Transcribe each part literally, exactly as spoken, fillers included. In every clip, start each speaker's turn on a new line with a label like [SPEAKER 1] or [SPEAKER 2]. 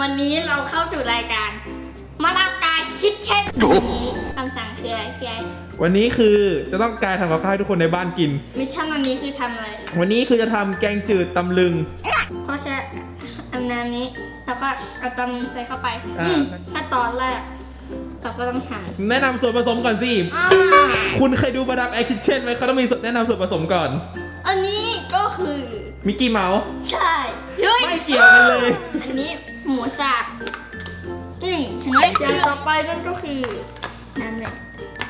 [SPEAKER 1] วันนี้เราเข้าสู่รายการมาลากายคิดเช่นนี้คำสั่งคืออะไรพี่ไอ
[SPEAKER 2] วันนี้คือจะต้องการทำกับข้าวให้ทุกคนในบ้านกิน
[SPEAKER 1] มิชชั่นวันนี้คือทำอะไร
[SPEAKER 2] วันนี้คือจะทำแกงจืดตำลึง
[SPEAKER 1] เพราะใช้อันน้ำนี้แล้วก็เอาตำลึงใส่เข้าไปถ้าตอนแรกเราก็ต้องทำ
[SPEAKER 2] แนะนำส่วนผสมก่อนสิคุณเคยดูมาดามแอร์คิทเช่นไหมเขาต้องมีแนะนำส่วนผสมก่อน
[SPEAKER 1] อันนี้ก็คือ
[SPEAKER 2] มิกกี้เมาส์
[SPEAKER 1] ใช่
[SPEAKER 2] ไม่เกี่ยวกันเลย
[SPEAKER 1] อันนี้หมูสับนี่เห็นไหมอย่างต่อไปนั่นก็คือน้ำเลย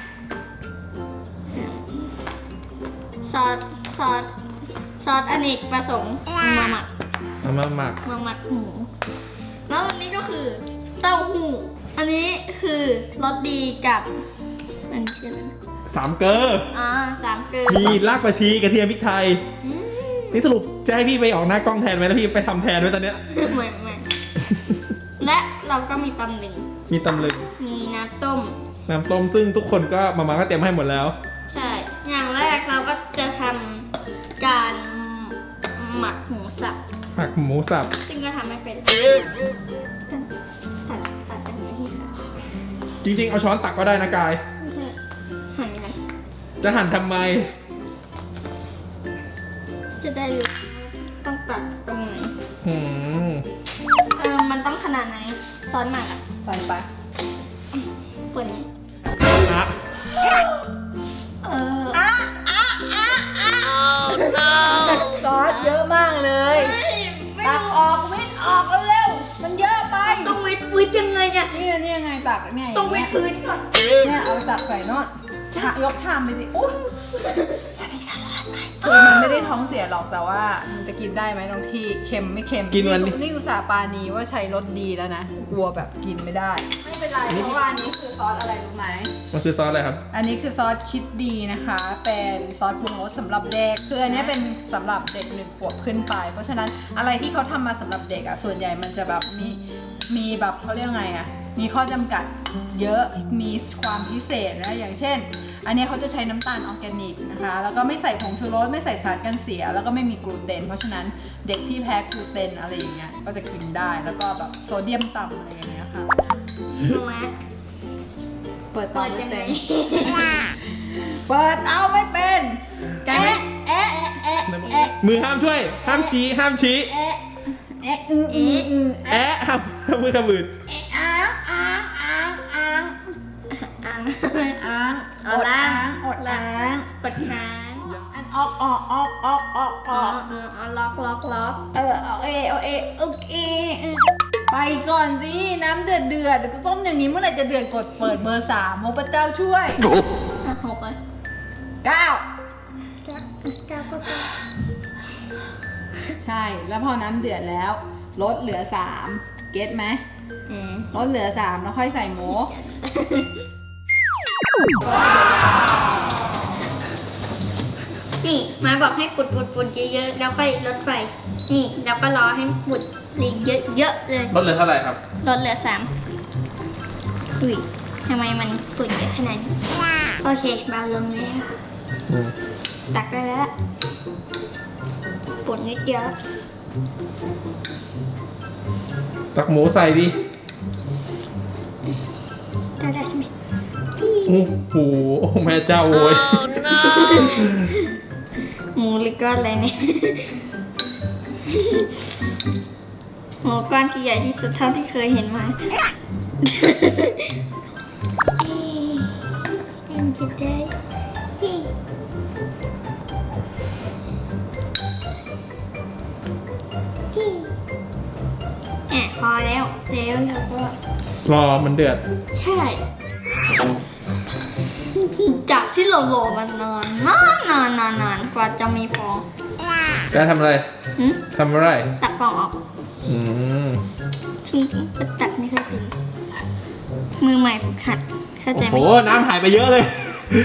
[SPEAKER 1] ซอสซอสซอสอเนกประสงค์มาหมัก
[SPEAKER 2] มาหมัก
[SPEAKER 1] มาหมักหมูแล้วอันนี้ก็คือเต้าหู้อันนี้คือรสดีกับอันนี้ชื่ออะไร
[SPEAKER 2] สามเกลือ
[SPEAKER 1] อ่าสามเกลือ
[SPEAKER 2] มีรากผักชีกระเทียมพริกไทยนี่สรุปจะให้พี่ไปออกหน้ากล้องแทนไหมแล้วพี่ไปทำแทนด้วยตอนเนี้ย
[SPEAKER 1] ไม่ไม่และเราก็มีตำลึง
[SPEAKER 2] มีตำลึง
[SPEAKER 1] มีน้ำต้ม
[SPEAKER 2] น้ำต้มซึ่งทุกคนก็มาม่าก็เตรียมให้หมดแล้ว
[SPEAKER 1] ใช่อย่างแรกเราก็จะทำการหมักหมูสับ
[SPEAKER 2] หมักหมูสับ
[SPEAKER 1] ซึ่งก็ทำไม่เป็นตัดตัดเป็นอย่างนี้ค่ะ
[SPEAKER 2] จริงๆเอาช้อนตักก็ได้นะกาย
[SPEAKER 1] หั่นยังไง
[SPEAKER 2] จะหั่นทำไม
[SPEAKER 1] จะได้รู้ต้องตัดตรงไหน
[SPEAKER 2] อืม
[SPEAKER 1] เออมันต้องขนาดไหนซอสหมัก
[SPEAKER 3] ใส่ไป
[SPEAKER 1] เปิดนี้
[SPEAKER 2] นะ
[SPEAKER 1] เอออ่ะอ่ะอ่ะอ่ะ
[SPEAKER 3] ซอสเยอะมากเลยตักออกวิดออกเร็วมันเยอะไป
[SPEAKER 1] ต้องวิดวิดยังไงอ่ะ
[SPEAKER 3] นี่นี่ยังไงตักเนี่ย
[SPEAKER 1] ต้องวิดพื้นก่อน
[SPEAKER 3] เนี่ยเอาตักใส่นอตยกชามไปสิอุ้ยคือมันไม่ได้ท้องเสียหรอกแต่ว่ามันจะกินได้ไหมตรงที่เค็มไม่เค็ม
[SPEAKER 2] กินวัน
[SPEAKER 3] นี้นี่อุตส่าห์ปานีว่าใช้รสดีแล้วนะกลัวแบบกินไม่ได้ไม่เป็นไรเพราะว่าอันนี้คือซอสอะไรรู้ไหม
[SPEAKER 2] มันคือซอสอะไรครับ
[SPEAKER 3] อันนี้คือซอสคิดดีนะคะเป็นซอสปรุงรสสำหรับเด็กคืออันนี้เป็นสำหรับเด็กหนึ่งขวบขึ้นไปเพราะฉะนั้นอะไรที่เขาทำมาสำหรับเด็กอ่ะส่วนใหญ่มันจะแบบมีมีแบบเขาเรียกไงอ่ะมีข้อจำกัดเยอะมีความพิเศษนะอย่างเช่นอันนี้เขาจะใช้น้ำตาลออร์แกนิกนะคะแล้วก็ไม่ใส่ผงชูรสไม่ใส่สารกันเสียแล้วก็ไม่มีกลูเตนเพราะฉะนั้นเด็กที่แพ้กลูเตนอะไรอย่างเงี้ยก็จะกินได้แล้วก็แบบโซเดียมต่ำอะไรอย่างเงี้ยค่ะเปิดเตาไม่เป็นเปิดเตาไม่เป็นแอะแอะแอะแอะ
[SPEAKER 2] มือห้ามช่วยห้ามชี้ห้ามชี้
[SPEAKER 3] แอะแอะอืออืออือ
[SPEAKER 2] แอะห้ามห้ามมือขมือ
[SPEAKER 3] แอะอ้างอ้างอ้างอ้าง
[SPEAKER 1] อ้าง
[SPEAKER 3] อ้างอดล้างอดล้าง
[SPEAKER 1] ปดค้าง
[SPEAKER 3] อันออกออกออกออกออกออก
[SPEAKER 1] ล็อกล็อกล็อก
[SPEAKER 3] เออโอเคโอเคโอเคไปก่อนสิน้ำเดือดเดือดต้มอย่างนี้เมื่อไหร่จะเดือดกดเปิดเบอร์สามโมพระเจ้าช่วย
[SPEAKER 1] หกเลย
[SPEAKER 3] เก้า
[SPEAKER 1] เก้าก็เก้า
[SPEAKER 3] ใช่แล้วพอน้ำเดือดแล้วลดเหลือสามเก็ตไหมลดเหลือสามแล้วค่อยใส่หมู
[SPEAKER 1] นี่มาบอกให้ปุดปุดปุดเยอะๆแล้วค่อยลดไฟนี่แล้วก็รอให้ปุดเยอะๆเลย
[SPEAKER 2] ลดเหลือเท่าไหร่ครับ
[SPEAKER 1] ลดเหลือสามอุ้ยทำไมมันปุดเยอะขนาดนี้โอเคเบาลงแล้วตักได้แล้วปุดนิดเดียว
[SPEAKER 2] ตักหมูใส่ดิ
[SPEAKER 1] ได้ได้ใช่ไหม
[SPEAKER 2] โอ้โหแม่เจ้าโว้ย
[SPEAKER 1] หมูหรือก้อนอะไรเนี่ยหมูก้อนที่ใหญ่ที่สุดเท่าที่เคยเห็นมาเอ็นจิตได้ที่ที่อ่ะพอแล้วแล้วเราก็
[SPEAKER 2] รอมันเดือด
[SPEAKER 1] ใช่จากที่เรารอมันนานนานนานนานนานกว่าจะมีฟอง
[SPEAKER 2] แกทำอะไรทำอะไร
[SPEAKER 1] ตักฟองออก
[SPEAKER 2] อืม
[SPEAKER 1] ตักไม่ค่อยถึงมือใหม่ฝึกหัดเข้าใจไหม
[SPEAKER 2] โอ้โหน้ำหายไปเยอะเลย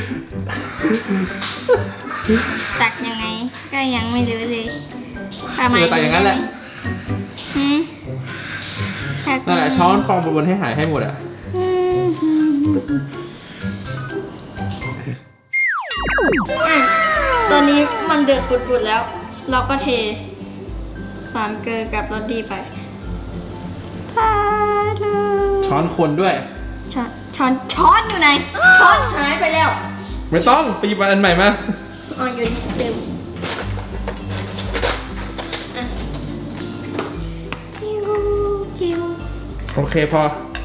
[SPEAKER 1] ตักยังไงก็ยังไม่รู้เลย
[SPEAKER 2] ประมาณตักอย่างนั้นแหละนั่นแหละช้อนฟองบนให้หายให้หมดอ่ะ
[SPEAKER 1] ตอนนี้มันเดือดปุดๆแล้วเราก็เทสามเกลือกับรสดีไปพาโล
[SPEAKER 2] ช้อนคนด้วย
[SPEAKER 1] ช้อนช้อนช้อนอยู่ไหนช้อนหายไปแล้ว
[SPEAKER 2] ไม่ต้องไปหยิบอันใหม่มา
[SPEAKER 1] อ๋ออยู่นี่เดิมอ่ะจิ้วจิ้ว
[SPEAKER 2] โอเคพอ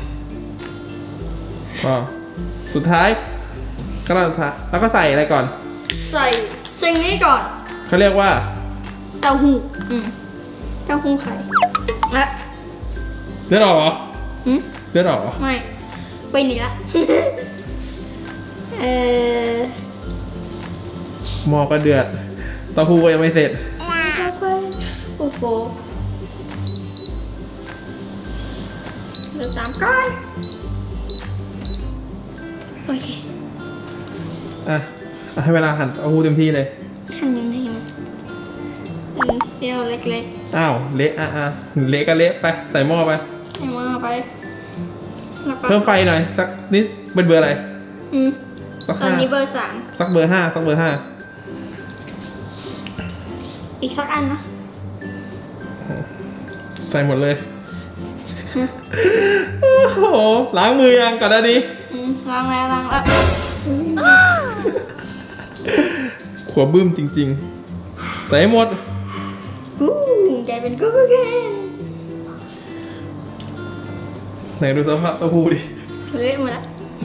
[SPEAKER 2] พอสุดท้ายก็แล้วแล้วก็ใส่อะไรก่อน
[SPEAKER 1] ใส่สิ่งนี้ก่อน
[SPEAKER 2] เขาเรียกว่า
[SPEAKER 1] เต้าหู้อืมเต้าหู้ไข่และ
[SPEAKER 2] เลือดออกเหรอ
[SPEAKER 1] หืม
[SPEAKER 2] เลือดออกเหรอ
[SPEAKER 1] ไม่ไปหนีละ เออ
[SPEAKER 2] หม้อก็เดือดเต้าหู้ก็ยังไม่เสร็จ
[SPEAKER 1] ต่อไปโอ้โหเหลือสามก้อนโอเค
[SPEAKER 2] อ่ะอ่ะให้เวลาหั่นเต้าหู้เต็มที่เลย
[SPEAKER 1] หั่นยังไงมันเป็นเซี่ยวเล็ก
[SPEAKER 2] อ้าวเละอ่ะอ่ะเละก็เละไปใส่หม้อไป
[SPEAKER 1] ๆให้มาไปแล้วก็
[SPEAKER 2] เพิ่มไฟหน่อยสักนิดเป็นเบอร์อะไร
[SPEAKER 1] อืม
[SPEAKER 2] สัก
[SPEAKER 1] ตอน
[SPEAKER 2] ห้า
[SPEAKER 1] นี้เบอร์สาม
[SPEAKER 2] สักเบอร์ห้าสักเบอร์ห้า
[SPEAKER 1] อีกสักอันนะ
[SPEAKER 2] ใส่หมดเลยโอ้โหล้างมือยังก่อนหน้านี้
[SPEAKER 1] อืมล้างแล้วล้างแล้ว
[SPEAKER 2] ขวบบึ้มจริงๆ ใส่ให้หมด
[SPEAKER 1] กูกลายเป็นกูกูแกน
[SPEAKER 2] ไหนดูสภาพเต้าหู้ดิ
[SPEAKER 1] เละหมดละ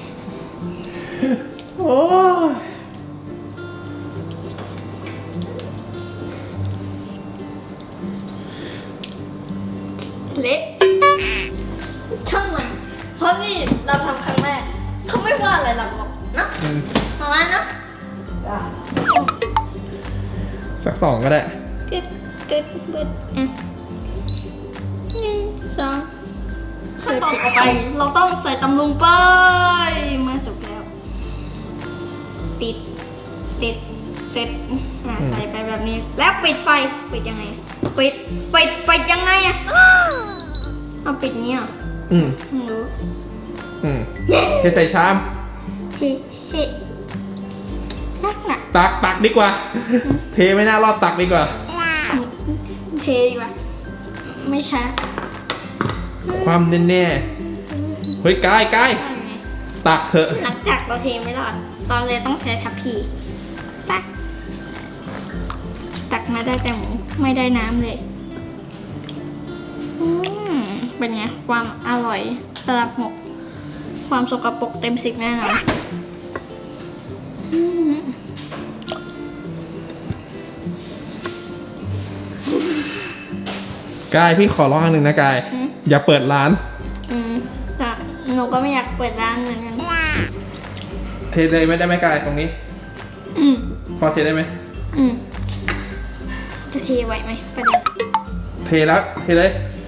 [SPEAKER 2] โอ้ย
[SPEAKER 1] เละช่างมันเพราะนี่เราทำครั้งแรกเขาไม่ว่าอะไรหรอกเนาะ
[SPEAKER 2] อืม
[SPEAKER 1] ประมาณเนาะ
[SPEAKER 2] สักสองก็ได้
[SPEAKER 1] กึดกึดกึดอ่ะหนึ่งสองขั้นตอนต่อไปเราต้องใส่ตำลุงไปเมื่อสุกแล้วติดติดติดอ่ะใส่ไปแบบนี้แล้วปิดไฟปิดยังไงปิดปิดปิดยังไงอะเอาปิดนี้เหรอ่ะ
[SPEAKER 2] อืม
[SPEAKER 1] ไม่รู้
[SPEAKER 2] อืมเทใส่ชาม
[SPEAKER 1] เฮ้เฮ้นักหนัก
[SPEAKER 2] ตักตักดีกว่า เทไม่น่ารอดตักดีกว่า
[SPEAKER 1] เทดีกว่าไม่ช้า
[SPEAKER 2] ความแน่ๆเฮ้ยกายกายตักเถอะ
[SPEAKER 1] หลังจากเราเทไม่รอดตอนเลยต้องใช้ทัพพีตักตักมาได้แต่หมูไม่ได้น้ำเลยอืมเป็นไงความอร่อยระดับหกความสกปรกเต็มสิบแน่นอนอืม
[SPEAKER 2] กายพี่ขอร้องอันหนึ่งนะกาย
[SPEAKER 1] อืม
[SPEAKER 2] อย่าเปิดร้าน
[SPEAKER 1] อืมแต่หนูก็ไม่อยากเปิดร้านเหมือนกัน
[SPEAKER 2] เทเลยไม่ได้ไหมกายตรงนี้
[SPEAKER 1] อืม
[SPEAKER 2] พอเทได้ไหม
[SPEAKER 1] อืมจะเทไหวไหมประเด็น
[SPEAKER 2] เทแล้วเทเลย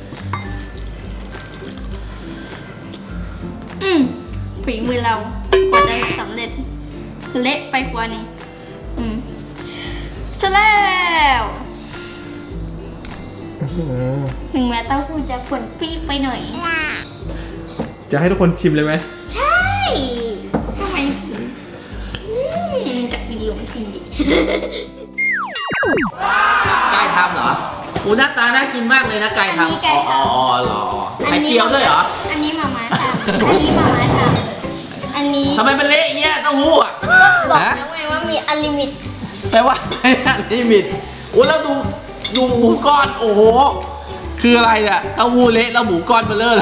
[SPEAKER 1] อืมฝีมือเรากว่าจะสำเร็จ เละไปกว่านี้อืมเสร็จแล้ว
[SPEAKER 2] อืม
[SPEAKER 1] ถึงแม้เต้าหู้จะฝนปี๊บไปหน่อย
[SPEAKER 2] จะให้ทุกคนชิมเลยไหม
[SPEAKER 1] ใช่ทำไมถึงอืมจะกินหรือไม่กินดี
[SPEAKER 4] ไก่ทำเหรออูหน้าตาน่ากินมากเลยนะไก่ทำอ๋ออ๋ออ๋อเหรอไข่เจียวด้วยเหรอ
[SPEAKER 1] อันนี้มาม่าทำอันนี้มาม่าทำอันนี้
[SPEAKER 4] ทำไมเป็นเละอย่างเงี้ยเต้าหู้อ่ะ
[SPEAKER 1] บอก
[SPEAKER 4] ฮะ
[SPEAKER 1] แล้วไงว่ามีอลิมิต
[SPEAKER 4] แต่ว่า ไม่อันลิมิตโอ้แล้วดูดูหมูก้อนโอ้โหคืออะไรเนี่ยเต้าหู้เละแล้วหมูก้อนเบลอเลย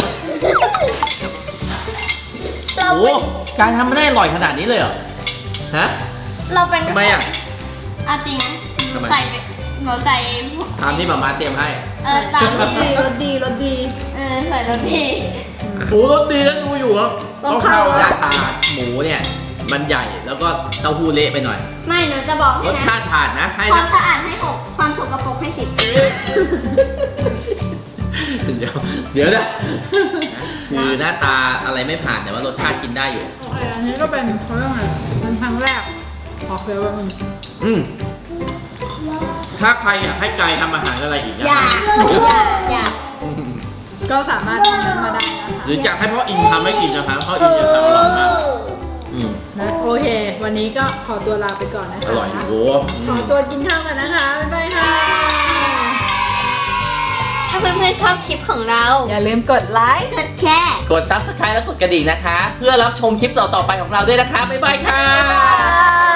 [SPEAKER 1] เรา
[SPEAKER 4] โอ้
[SPEAKER 1] เป็น
[SPEAKER 4] การทำไม่ได้อร่อยขนาดนี้เลยเหรอฮะ
[SPEAKER 1] เราเป็น
[SPEAKER 4] ทำไมอ่ะ
[SPEAKER 1] เอาจริงนะ
[SPEAKER 4] ทำไม
[SPEAKER 1] ใส่ไปหนูใส่
[SPEAKER 4] ตามที่หมามาเตรียมให้
[SPEAKER 1] เออตามที่
[SPEAKER 3] รสดีรสดี
[SPEAKER 1] เออใส่รสดี
[SPEAKER 4] หมูรสดีแล้วดูอยู่ครับ
[SPEAKER 3] ต้องเข้า
[SPEAKER 4] หน้าตาหมูเนี่ยมันใหญ่แล้วก็เต้าหู้เละไปหน่อย
[SPEAKER 1] ไม่หนูจะบอก
[SPEAKER 4] ร
[SPEAKER 1] ให้
[SPEAKER 4] ส
[SPEAKER 1] นะ
[SPEAKER 4] ชาติผ่านนะให้
[SPEAKER 1] ควา
[SPEAKER 4] นะ
[SPEAKER 1] มสะอาดให้หกความสกปรกให้สิบ
[SPEAKER 4] เดี๋ยวเดี๋ยวนะคือหน้าตาอะไรไม่ผ่านแต่ว่ารสชาติกินได้อยู่
[SPEAKER 3] โอเคอันนี้ก็เป็นเขาเรียกว่าไงเป็นครั้งแรกขอเคลียร์ว่ามัน
[SPEAKER 4] อืมถ้าใครอยากให้กายทำอาหารอะไรอีกนะ
[SPEAKER 1] อย่าอย่าอย่า
[SPEAKER 4] อืม
[SPEAKER 3] ก็สามารถคอมเมนต์มาได้นะคะ
[SPEAKER 4] หรืออยากให้พ่ออินทำให้กินนะครับพ่ออินจะทำอร่อยมากอืม
[SPEAKER 3] นะโอเค วันนี้ก็ขอตัวลาไปก่อนนะคะ
[SPEAKER 4] อร่อยโอ้โหอื
[SPEAKER 3] ขอ
[SPEAKER 4] ม
[SPEAKER 3] ตัวกินข้าวกันนะคะ บ๊ายบายค่ะ
[SPEAKER 1] ถ้าาเพื่อนๆชอบคลิปของเรา
[SPEAKER 3] อย่าลืมกดไลค์
[SPEAKER 1] กดแชร์
[SPEAKER 4] กด ซับสไครบ์ และกดกระดิ่งนะคะ เพื่อรับชมคลิปต่อๆไปของเราด้วยนะคะ บ๊ายบายค่ะ
[SPEAKER 1] บ๊ายบาย